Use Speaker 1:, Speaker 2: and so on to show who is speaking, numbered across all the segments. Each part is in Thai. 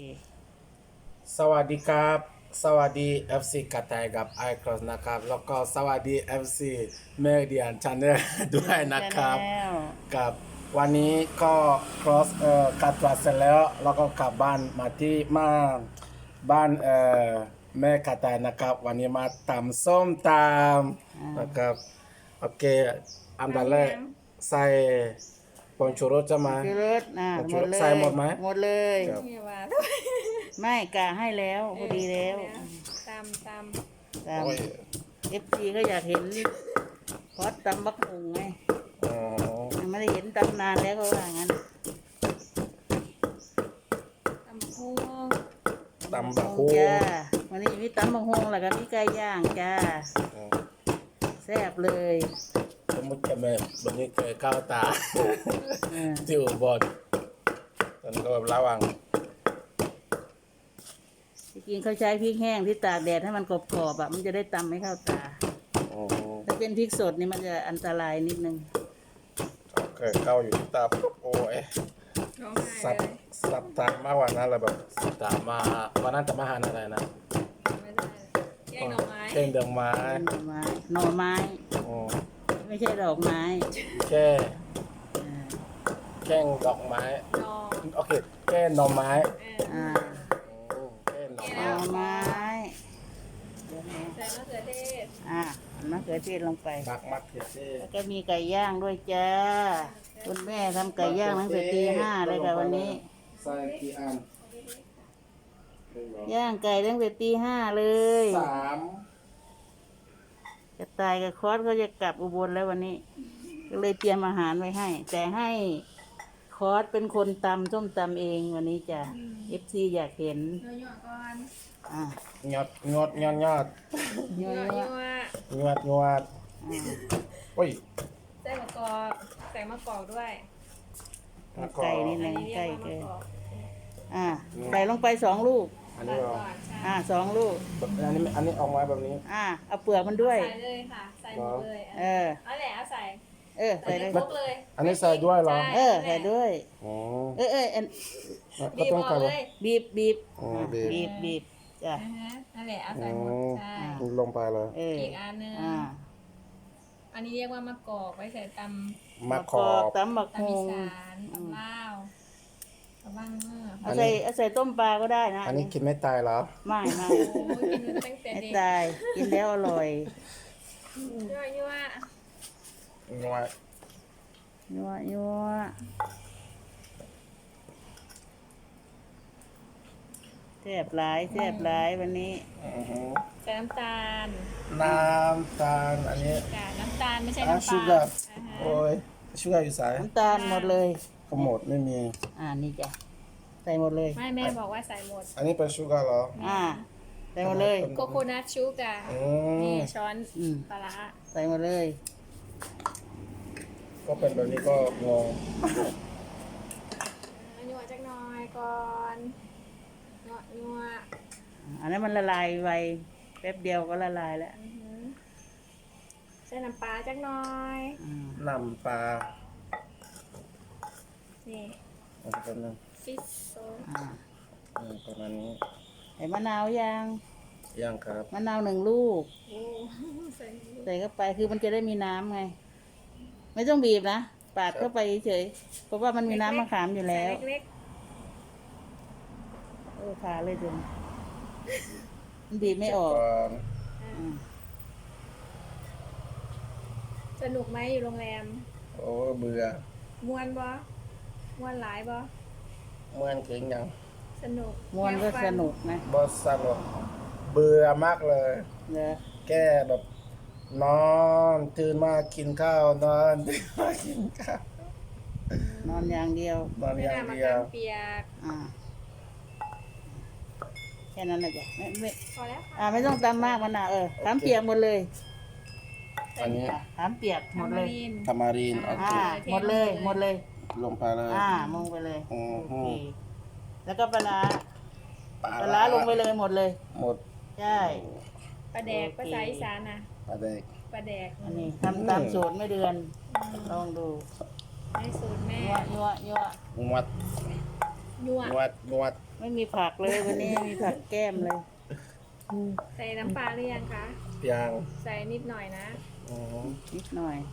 Speaker 1: สวัสดีครับสวัสดี FC กระต่ายกับไอครอสนะครับแล้วก็สวัสดี FC เมเดียนชาแนลด้วยนะครับกับวันนี้ก็ครอสกัดตรวจเสร็จแล้วก็กลับบ้านมาที่บ้านแม่กระต่ายนะครับวันนี้มาตำส้มตำนะครับโอเคอันดับแรกใส่ผงชูรสจะมา
Speaker 2: ชูรสหมดเลย
Speaker 1: ใส่หมดไหม
Speaker 2: หมดเลย
Speaker 1: ครับ
Speaker 3: มีว่า
Speaker 2: ไม่กะให้แล้วพอดีแล้ว
Speaker 3: ตาม
Speaker 2: ตาม
Speaker 1: โอ้ย
Speaker 2: FC ก็อยากเห็นพอดตำบักหุ่งไง
Speaker 1: อ๋อ
Speaker 2: ยังไม่ได้เห็นตำนานแล้วก็ว่างั้น
Speaker 3: ตำพุง
Speaker 1: ตำบักหุ่ง
Speaker 2: จ้าวันนี้มีตำบักหุ่งแล้วก็มีไก่ย่างจ้าแซ่บเลย
Speaker 1: สมมติจะแบบวันนี้เกิดข้าวตา
Speaker 2: เออ
Speaker 1: ที่อุบลตอนนก็แบบระวัง
Speaker 2: ที่จริงเขาใช้พริกแห้งที่ตากแดดให้มันกรอบๆมันจะได้ตำไม่เข้าตา
Speaker 1: อ๋อ
Speaker 2: ถ้าเป็นพริกสดนี่มันจะอันตรายนิดนึง
Speaker 1: เกิดเข้าอยู่ที่ตาปุ๊บโอ้ย
Speaker 3: ร้องไห้
Speaker 1: สับ
Speaker 3: เลย
Speaker 1: สับตามากกว่านั้นเลยแบบตามมาวันนั้นจะมาหาอะไรนะ
Speaker 3: ไม่ได้แกงหน่อไม้
Speaker 1: แค่เดืองไม้
Speaker 2: หน่อไม้
Speaker 1: อ๋อ
Speaker 2: ไม่ใช่ดอกไม้
Speaker 1: แค่
Speaker 2: อ่า
Speaker 1: แค่ดอกไม้
Speaker 3: นอ
Speaker 1: โอเคแค่หน่อไม้
Speaker 2: อ่า
Speaker 1: อืมแค่หน่อ
Speaker 2: ห
Speaker 1: ไม้
Speaker 2: น่อไม้
Speaker 3: ใส่มะเขือเทศ
Speaker 2: มะเขือเทศลงไป
Speaker 1: บักมักเขือเทศ
Speaker 2: แล้วก็มีไก่ย่างด้วยจ้า คุณแม่ทำไก่ย่างตั้งแต่ตีห้าเลยค่ะวันนี้
Speaker 1: ใส่กี่อัน
Speaker 2: ย่างไก่ตั้งแต่ตีห้าเลย
Speaker 1: สาม
Speaker 2: จะตายกับคอสเขาจะกลับอุบลแล้ววันนี้ ก็เลยเตรียมอาหารไว้ให้ แต่ให้คอสเป็นคนตำส้มตำเองวันนี้จ้ะ FC อยากเห็น
Speaker 3: เนื้อหยวกก่อน
Speaker 2: อ่ะ
Speaker 1: ยอดยอดยอดยอด
Speaker 2: เย
Speaker 3: เนื้อ
Speaker 2: อะ
Speaker 3: หยวก
Speaker 1: ยอดยอดโอ้ย
Speaker 3: ใส่มะกอกใส่มะกอกด้วย
Speaker 2: ๆไก่นิด
Speaker 3: อั
Speaker 2: นึ
Speaker 3: น
Speaker 2: ง
Speaker 3: นี้เรีย
Speaker 2: ไก่
Speaker 3: กว่า
Speaker 2: เกิ
Speaker 3: มะ
Speaker 2: น
Speaker 3: กอก
Speaker 2: ใส่ลงไป2 ลูก
Speaker 1: อัน
Speaker 3: ตั
Speaker 1: นี้
Speaker 3: ด
Speaker 1: เหรอ
Speaker 3: ก่อนใช่
Speaker 2: 2 ลูก
Speaker 1: อันนี้ออกมาแบบนี้
Speaker 2: เอาเปลือกมันด้วย
Speaker 3: ใส่เลยค่ะใส่หมดเลย
Speaker 2: เออ
Speaker 3: เอาแหละเอาใส่
Speaker 2: ใส่เลย
Speaker 3: ครบเลย
Speaker 1: อันนี้ใส่ด้วยเหรอ
Speaker 2: ใส่ด้วย
Speaker 1: อ๋อ
Speaker 2: อัน
Speaker 1: ก็
Speaker 3: บีบ
Speaker 1: ต้อง
Speaker 3: เอา
Speaker 1: การ
Speaker 3: เลย
Speaker 2: บีบ
Speaker 1: อ๋อบีบ
Speaker 2: บีบจ้ะ
Speaker 3: นั่นแหละเอาใส่หมดใช่
Speaker 1: ลงไปเลย
Speaker 3: อีกอันนึง
Speaker 2: อ่า
Speaker 3: อันนี้เรียกว่ามะกอกไว้ใส่ตำ
Speaker 1: มะขอบ
Speaker 2: ตำบัก
Speaker 3: ตำ
Speaker 2: ฮ
Speaker 3: อี
Speaker 2: ง
Speaker 3: สานตำลาวตำบ้างเมื่อ
Speaker 2: เอาใส่ต้มปลาก็ได้นะ
Speaker 1: อันนี้กินไม่ตายเหรอ
Speaker 2: ไม่
Speaker 3: โอ้ยกินมาตั้งแต่
Speaker 2: ไม่
Speaker 3: เด็ก
Speaker 2: ตายกินแล้วอร่อย
Speaker 3: ยั่ว
Speaker 1: งวย
Speaker 2: ยัวแซ่บหลายวันนี้
Speaker 3: ใส่น้ำตาล
Speaker 1: น้ำตาลอันนี้
Speaker 3: กาน้ำตาลไม่ใช่
Speaker 1: อ่ะ
Speaker 3: น้ำ
Speaker 1: ชู
Speaker 3: ป
Speaker 1: กา
Speaker 3: ลา
Speaker 1: ร์โอ้ยชูการ์อยู่สาย
Speaker 2: น้ำตาลหมดเลย
Speaker 1: ก็หมดไม่มี
Speaker 2: นี่จ้ะใส่หมดเลย
Speaker 3: ไม่แม่บอกว่าใส่หมด
Speaker 1: อันนี้เป็นชูการ์เหรอ
Speaker 2: ใส่หมดเลย
Speaker 3: โกโคนัทชูกา
Speaker 1: อื
Speaker 3: นี่
Speaker 1: ม
Speaker 3: ช้อน
Speaker 2: อืม
Speaker 3: ปลาร้า
Speaker 2: ใส่หมดเลย
Speaker 1: ก็เป็นแบบนี้ก็งง
Speaker 3: ยั่วจักหน่อยก่อนยั่ว
Speaker 2: อันนั้นมันละลายไวแป๊บเดียวก็ละลายแล้ว
Speaker 3: ใส่น้ำปลาจักหน่อย
Speaker 1: น้ำปลา
Speaker 3: นี่
Speaker 1: อันนี้เป็นง
Speaker 3: ฟิชโซ
Speaker 1: ประมาณนี้
Speaker 2: ใส่มะนาวยัง
Speaker 1: ย่างครับ
Speaker 2: มะนาว1 ลูก
Speaker 3: โอ้ใส่
Speaker 2: ใส่เข้าไปคือมันจะได้มีน้ำไง ไม่ต้องบีบนะปาดเข้าไปเฉยๆเพราะว่ามันมีน้ำมะขามอยู่แล้ว
Speaker 3: ใส่เล็ก
Speaker 2: ผ่าเลยจนมันบีบไม่ออก
Speaker 1: ก่อน
Speaker 2: อืม
Speaker 3: ๆสนุกไหมอยู่โรงแรม
Speaker 1: โอ้เบื่อ
Speaker 3: ม่วนบ่ม่วนหลายบ่
Speaker 1: เมื่อนเก่งยัง
Speaker 3: สนุก
Speaker 2: มวนก็สนุกนะ
Speaker 1: บอสสนุกเบื่อมากเลย
Speaker 2: เนอะ
Speaker 1: แก้แบบนอนตื่นมากินข้าวนอนตื่นมากินข้าวน
Speaker 2: อนอย่างเดียวน
Speaker 1: อน
Speaker 3: ไม่
Speaker 1: อย่าง
Speaker 3: น่ามะ
Speaker 1: เดีย
Speaker 3: ขาว มเปียก
Speaker 2: แค่นั้นแหละจ้ะไม่
Speaker 3: พอแล้วค่ะ
Speaker 2: ไม่ต้องตำมากมันนะถามเปียกหมดเลย
Speaker 1: อันนี้
Speaker 2: ถามเปียกหมดเลย
Speaker 3: ทามารีน
Speaker 1: ทามารีนโอเค
Speaker 2: หมดเลย
Speaker 1: ลงไปเลย
Speaker 2: มงไปเลย
Speaker 1: อือ
Speaker 2: โอ
Speaker 1: ฮึ
Speaker 2: เคแล้วก็ปลาร้า
Speaker 1: ปลา
Speaker 2: ปลาร้าลงไปเลยหมดเลย
Speaker 1: หมด
Speaker 2: ใช่
Speaker 3: ปลาแดกภาษาอีสานนะ
Speaker 1: ปลาแดก
Speaker 3: ปลาแดก
Speaker 2: อันนี้ทำตามสูตรไม่เดือนลองดู
Speaker 3: ให้สูตรแม่
Speaker 2: ยั่ว
Speaker 1: มัด
Speaker 3: ยั่ว
Speaker 1: นวด
Speaker 2: ไม่มีผักเลยวันนี้มีผักแก้มเลย
Speaker 3: ใส่น้ำปลาหรือยังคะ
Speaker 1: ยาง
Speaker 3: ใส่นิดหน่อยนะ
Speaker 1: อืม
Speaker 2: นิดหน่อย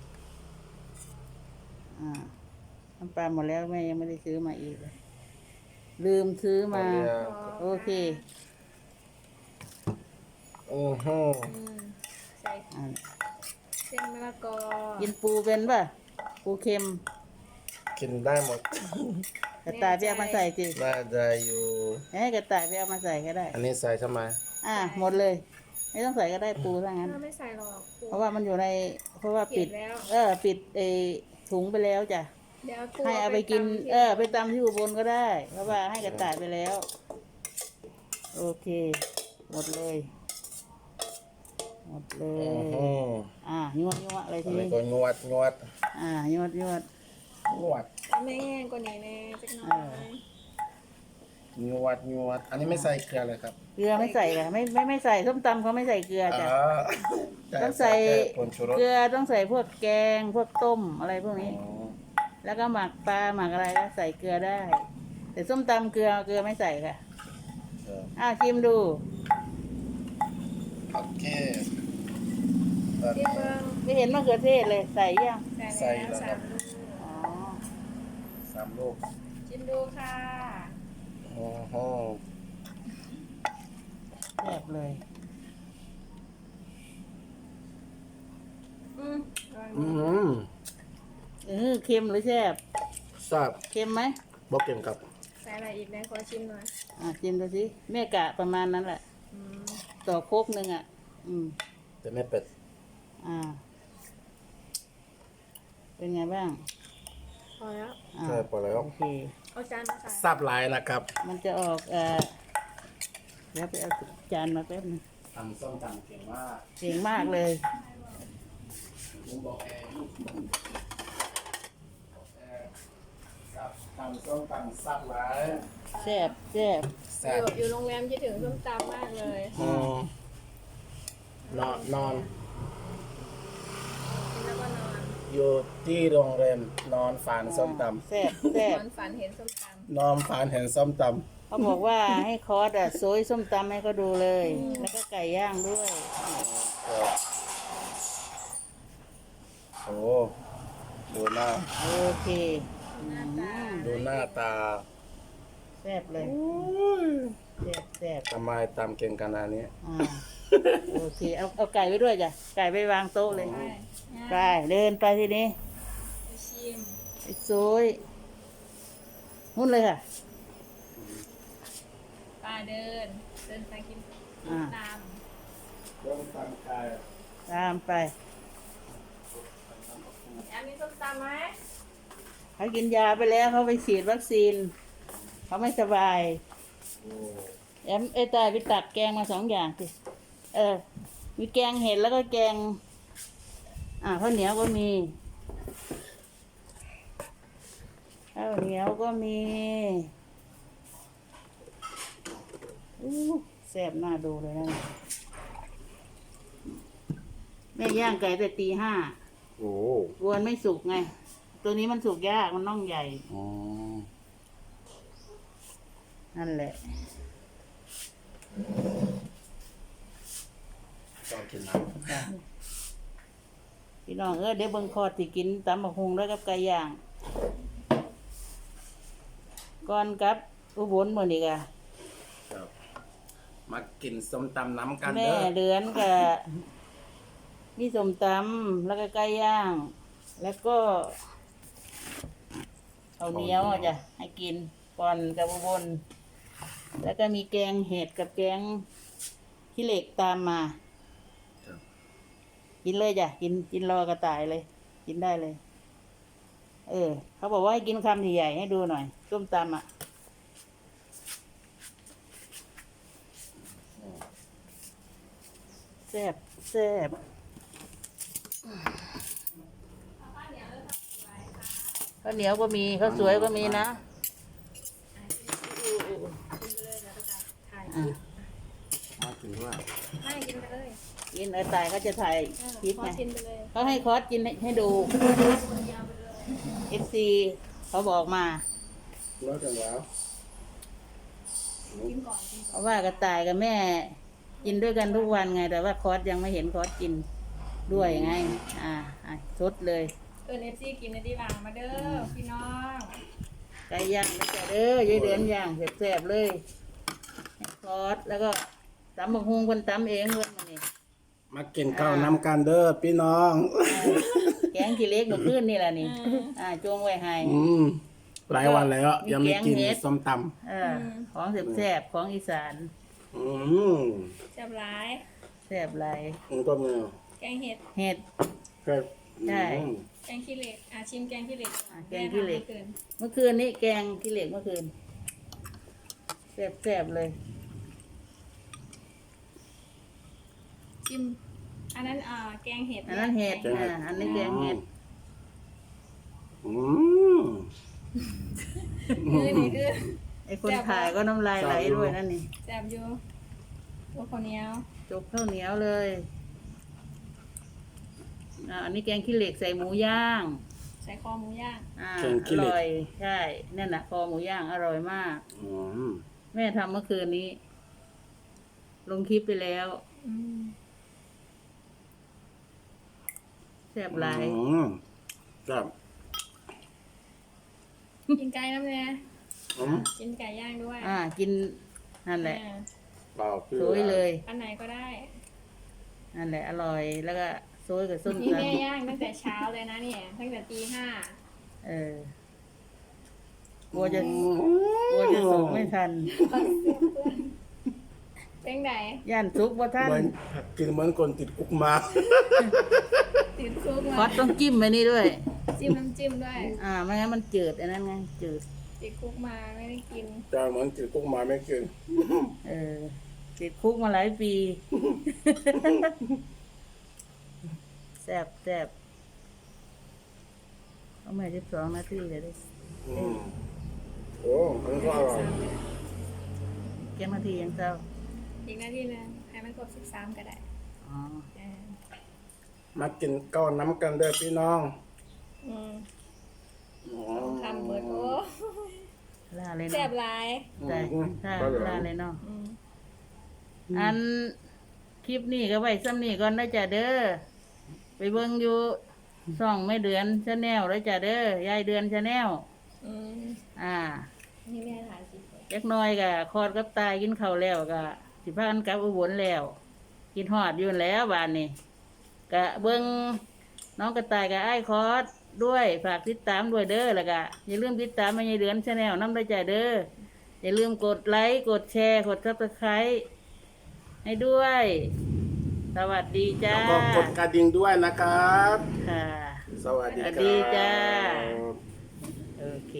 Speaker 2: น้ำปลาหมดแล้วแม่ยังไม่ได้ซื้อมาอีกเลยลืมซื้อมา โอเค
Speaker 1: อือฮึ
Speaker 3: ใส่
Speaker 2: อ่ะ
Speaker 3: เส้นมะละกอ
Speaker 2: กินปูเป็นป่ะปูเค็ม
Speaker 1: กินได้หมด
Speaker 2: กระต่ายไปเอามาใส่สิ
Speaker 1: น่าจะอยู่
Speaker 2: ให้กระต่ายไปเอามาใส่ก็ได้
Speaker 1: อันนี้ใส่ทำไม
Speaker 2: หมดเลย ไม่ต้องใส่ก็ได้ปูถ้างั้น
Speaker 3: ไม่ใส่หรอกปู
Speaker 2: เพราะว่ามันอยู่ใน เพราะว่าปิด
Speaker 3: เก็บแล้ว
Speaker 2: ปิดถุงไปแล้วจ้ะ
Speaker 3: เดี๋ยวปู
Speaker 2: ให้เอาไปกิน
Speaker 3: ตำที่
Speaker 2: ไปตำที่อุบลก็ได้ เพราะว่าให้กระต่ายไปแล้ว โอเค หมดเลย หมดเล
Speaker 1: อื
Speaker 2: ย
Speaker 1: อฮึ
Speaker 2: ยั่วอะไร
Speaker 1: อั
Speaker 2: ที
Speaker 1: นนี้
Speaker 2: นี้
Speaker 1: ก็นวด
Speaker 2: ยั่ว
Speaker 1: นวด
Speaker 3: เอาไม่แห้งกว่านี้แน่จักหน่อย
Speaker 1: นวด อันนี้ไม่ใส่เกลือเลยครับ
Speaker 2: เกลือไม่ใส่ค่ะไม่ใส่ส้มตำเขาไม่ใส่เกลือจ้ะ
Speaker 1: า
Speaker 2: ต้องใส่
Speaker 1: แค่ผงชูรส
Speaker 2: เกลือต้องใส่พวกแกงพวกต้มอะไรพวกนี้
Speaker 1: อ๋อ
Speaker 2: แล้วก็หมักปลาหมักอะไรก็ใส่เกลือได้ แต่ส้มตำเกลือไม่ใส่ค่ะ ชิมดู
Speaker 1: โอเค
Speaker 3: ที่เบิ้ง
Speaker 2: ไม่เห็นมะเขือเทศเลยใส่ยัง
Speaker 3: ใส่แล้ว
Speaker 1: ใส่แล้ว
Speaker 2: อ๋อ
Speaker 1: 3 ลูก
Speaker 3: ชิมดูค่ะ
Speaker 1: อือฮึ
Speaker 2: แซ่บเลย
Speaker 3: อืมอร่อย
Speaker 1: อื
Speaker 3: มาก
Speaker 1: ม
Speaker 2: เค็มหรือแซ่บ
Speaker 1: ทราบ
Speaker 2: เค็มไหม
Speaker 1: บอกเก่งครับ
Speaker 3: ใส่อะไรอีกนะขอชิมหน่อย
Speaker 2: ชิมดูสิแม่กะประมาณนั้นแหละ
Speaker 3: อืม
Speaker 2: ต่อโคกหนึ่งอืม
Speaker 1: แต่ไม่เป็ด
Speaker 2: เป็นไงบ้าง
Speaker 3: พอแล้ว
Speaker 1: ใช่พอแล้ว
Speaker 2: โอเค
Speaker 3: เอาจานมาใส่
Speaker 1: ทราบหลายนะครับ
Speaker 2: มันจะออกเดี๋ยวไปเอาจานมาแป๊บนึง
Speaker 1: ทำส้มตำเก่งมาก
Speaker 2: เก่งมากเลย
Speaker 1: ผมบอกเองกับทำส้มตำทราบหลาย
Speaker 2: แซ่บ
Speaker 1: แซ่บ
Speaker 3: อยู่โรงแรมคิดถึงส้มตำมากเลย
Speaker 1: อืมนอน
Speaker 3: กินแล้วก็นอน
Speaker 1: อยู่ที่โรงแรมนอนฝันส้มต
Speaker 2: แซ่บ
Speaker 3: นอนฝันเห็นส้มต
Speaker 1: ำนอนฝันเห็นส้มต
Speaker 2: เขาบอกว่าให้คอร์สโซยส้มตำให้เขาดูเลย แล้วก็ไก่ย่างด้วย
Speaker 1: ำโอ้ดูหน้า
Speaker 2: โอเค
Speaker 3: ำหน้าตา
Speaker 1: ดูหน้าตา
Speaker 2: แซ่บเลยแซ่บ
Speaker 1: ทำไมตำเก่งขนาดนี้
Speaker 2: โอเคเอาไก่ไว้ด้วยจ้ะไก่ไปวางโต๊ะเลย
Speaker 3: ไป
Speaker 2: ไปเดินไปทีนี้
Speaker 3: ไปชิม
Speaker 2: ไอ้โซยหุ้นเลยค่ะ
Speaker 3: ไปเดินไปกิน
Speaker 2: อ่า
Speaker 3: ตาม
Speaker 1: ส้มตำไก่
Speaker 2: ตามไป
Speaker 3: แอมมีส้มตำไหม
Speaker 2: เขากินยาไปแล้วเขาไปฉีดวัคซีนเขาไม่สบาย
Speaker 1: โอ้
Speaker 2: ตายไปตักแกงมา2 อย่างสิมีแกงเห็ดแล้วก็แกงข้าวเหนียวก็มีข้าวเหนียวก็มีแซ่บน่าดูเลยนะแม่ย่างไก่แต่ตี 5
Speaker 1: โอ้
Speaker 2: กวนไม่สุกไง ตัวนี้มันสุกยากมันน่องใหญ่
Speaker 1: อ๋อ
Speaker 2: นั่นแหละ
Speaker 1: ชอบกินน้
Speaker 2: พี่น้องเดี๋ยวเบิ่งคอดสิกินตำบักฮุงด้วยกับไก่ย่าง ก่อนกับอุบลหมดอีกอะ
Speaker 1: ำครับมากินส้มตำน้ำกัน
Speaker 2: แม่
Speaker 1: เด้อ
Speaker 2: เดือนกับนี่สมตำแล้วก็ไก่ย่าง แล้วก็ข้าวเหนียวจ้ะให้กินก่อนกับอุบลแล้วก็มีแกงเห็ดกับแกงขี้เหล็กตามมา
Speaker 1: ครับ
Speaker 2: กินเลยจ้ะกินรอกระต่ายเลย กินได้เลย เขาบอกว่าให้กินคำใหญ่ๆให้ดูหน่อยส้มตำแซ่บข้าวเหนียวก็มีข้าวสวยก็มีนะ
Speaker 3: กินไปเลยแล้วก็ถ่ายคลิป
Speaker 1: มากินด้วย
Speaker 3: ให้กินไปเลย
Speaker 2: กินตายเขาจะถ่ายคลิป
Speaker 3: ขอ
Speaker 2: ไง
Speaker 3: กินไปเลย
Speaker 2: เขาให้คอร์สกินให้ดู FC เขาบอกมา
Speaker 1: เลิกกันแล้ว
Speaker 3: กินก่อนกิน
Speaker 2: เพ
Speaker 3: ก่อน
Speaker 2: ราะว่ากระต่ายกับแม่กินด้วยกันทุกวันไง แต่ว่าคอสยังไม่เห็นคอสกินด้วยไงชดเลย
Speaker 3: เอิญFC กินในที่วางมาเด้อพี่น้อง
Speaker 2: ไก่ย่างนะจ๊ะเด้อยายเดือนย่างแซ่บๆเลยคอสแล้วก็ตำบักฮุงคนตำเองเพิ่นมานี่
Speaker 1: มากินข้าวน้ำกันเด้อพี่น้อง
Speaker 2: แกงขี้เหล็กเมื่อคืนนี่แหละนี่จงไว้ให้
Speaker 1: หลายวันแล้ว ยังไม่กิน
Speaker 2: มีแกงเห็ด
Speaker 1: ส้มต
Speaker 2: ของแซ่บๆของอีสาน
Speaker 1: ำ
Speaker 3: แซ่บหลาย
Speaker 2: แซ่บหลาย
Speaker 1: มันก็มี
Speaker 3: แกงเห็ด
Speaker 2: เห็ด
Speaker 1: แค่
Speaker 2: ใช่
Speaker 3: แกงขี้เหล็กชิมแกงขี้เหล็ก
Speaker 2: แกงขี้เหล็ก
Speaker 3: แม่ทำมื่อคืน
Speaker 2: เมื่อคืนนี้แกงขี้เหล็กเมื่อคืนแซ่บๆเลย
Speaker 3: ชิมอันนั้นแกงเห็ด
Speaker 2: อันนั้นเห็ด
Speaker 1: แกงเห็ด
Speaker 2: อันนี้แกงเห็ด
Speaker 1: อืม
Speaker 3: คือนี่คือ
Speaker 2: ไอ้คนขายก็น้ำลายไหลด้วยนั่นนี่
Speaker 3: แซ่บอยู่ตัวข้าวเหนียว
Speaker 2: จกข้าวเหนียวเลยอันนี้แกงขี้เหล็กใส่หมูย่าง
Speaker 3: ใส่คอหมูย่าง
Speaker 2: อร่อยใช่นั่นน่ะคอหมูย่างอร่อยมาก
Speaker 1: อืม
Speaker 2: แม่ทำเมื่อคืนนี้ ลงคลิปไปแล้ว
Speaker 3: อืม
Speaker 2: แซ่บหลาย
Speaker 1: ครับ
Speaker 3: กินไก่น้ำเนี่ย
Speaker 1: อืม
Speaker 3: กินไก่ย่างด้วย
Speaker 2: กินนั่นแหละ
Speaker 1: เปล่าพี่
Speaker 2: สวยเลย
Speaker 3: อันไหนก็ได้
Speaker 2: นั่นแหละอร่อยแล้วก็โซยกับส้ม
Speaker 3: นี่
Speaker 2: ต
Speaker 3: แม่ย่างตั้งแต่เช้าเลยนะเนี่ยตั้งแต่ตี 5
Speaker 2: ำกลัวจะสุกไม่ทัน
Speaker 3: เป็นไง
Speaker 2: ย่านสุกว่าท่าน
Speaker 1: เหมือนกินเหมือนคนติดคุกมา
Speaker 3: ติดคุก
Speaker 2: คอ
Speaker 3: มา
Speaker 2: สต้องจิ้มไปนี่ด้วย
Speaker 3: จิ้มน้ำจิ้มด้วย
Speaker 2: ไม่งั้นมันจืดอันนั้นไงจืด
Speaker 3: ติดคุกมาไม่ได้กิน
Speaker 1: แต่เหมือนติดคุกมาไม่กิน
Speaker 2: ติดคุกมาหลายปีแซ่บเอาใหม่12 นาทีเลยดิ
Speaker 1: อืมโอ้มันก็อร่อย
Speaker 2: เกี่ยนาทียังเศร้า
Speaker 3: อีกนาทีนึงให้มันครบ13ก็ได้
Speaker 2: อ๋อ
Speaker 3: เออ
Speaker 1: มากินข้าวน้ำกันเด้อพี่น้อง
Speaker 3: อืม
Speaker 1: อ๋อ
Speaker 3: ทำเบิดโอ้
Speaker 2: ลาเลย
Speaker 3: แซ่
Speaker 2: เนาะ
Speaker 3: บหลาย
Speaker 2: ใช่
Speaker 1: อืม
Speaker 2: ลาเลยเนาะ
Speaker 3: อืม
Speaker 2: อันคลิปนี้ก็ไว้ซ้ำนี่ก่อนนะจ๊ะเด้อไปเบิ่งอยู่ช่องแม่เดือนชาแนลแล้วจ้ะเด้อยายเดือนชาแนล
Speaker 3: อืม นี่แม่ถ่ายคลิปไว้
Speaker 2: จักหน้อยก็คอดกับตายกินข้าวแล้วก็สิพากันกลับอุบลแล้ว กินฮอดอยู่นั่นแหล้วบ้านนี้ก็เบิ่งน้องกระต่ายกับไอ้ายคอดด้วยฝากติดตามด้วยเด้อแล้วก็อย่าลืมติดตามแม่ยายเดือนชาแนลนำด้วยจ้ะเด้ออย่าลืมกดไลค์กดแชร์กด Subscribe ให้ด้วย สวัสดีจ้า
Speaker 1: แล้วก็กดกระดิ่งด้วยนะครับ
Speaker 2: ค่ะ
Speaker 1: สวัสดี
Speaker 2: สวัส
Speaker 1: ค
Speaker 2: ดี
Speaker 1: รับ
Speaker 2: จ้า